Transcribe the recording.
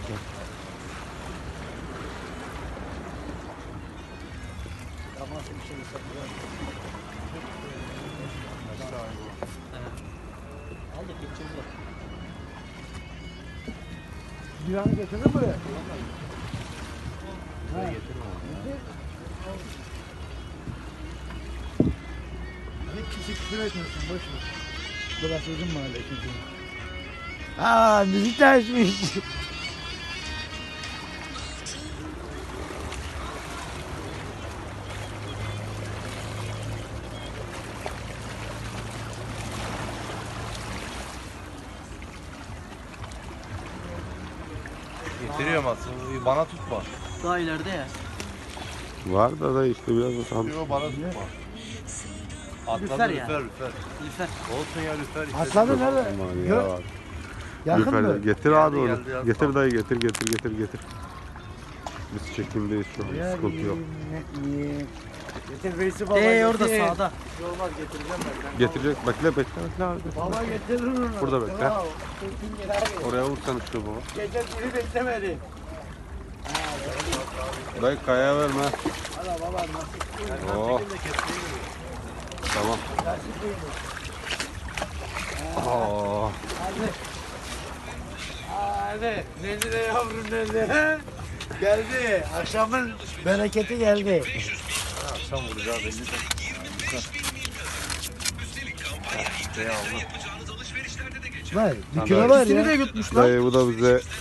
Aldık gideceğiz bak. Güvenli getirdin buraya. Buraya getirme onu ya. Hiç kimse küfür etmesin, boş ver. Burası uzun mahalle çünkü. Aa, müzik de açmış. Getiriyorum aslında. Bana tutma. Daha ileride ya. Var da işte biraz da sağ. Yok bana tutma. Lüfer Atladı ya. lüfer lüfer. Lüfer. Olsun ya lüfer. işte. Atladı nerede? Aman Gör- ya. Yakın Lüfer, mı? getir Geldi, abi onu. geldi, az Getir kaldı. dayı getir. Biz çekimdeyiz şu an. Sıkıntı yok. Getir Veysi baba. Orada getir. sağda. Olmaz getireceğim ben. Getirecek. Bekle abi. Baba getirir onu. Burada bekle. Tamam. Kesin gel abi. Oraya vursana şu baba. Gece biri beklemedi. Dayı kayaya verme. Hala baba nasıl? Oh. Tamam. Nasıl duymuş? Oh. Hadi. Hadi. Nezire yavrum nezire. Geldi. Akşamın bereketi geldi. Akşam vuracağı belli de. Var. Dükkana var ya. İkisini de yutmuş lan. Dayı bu da bize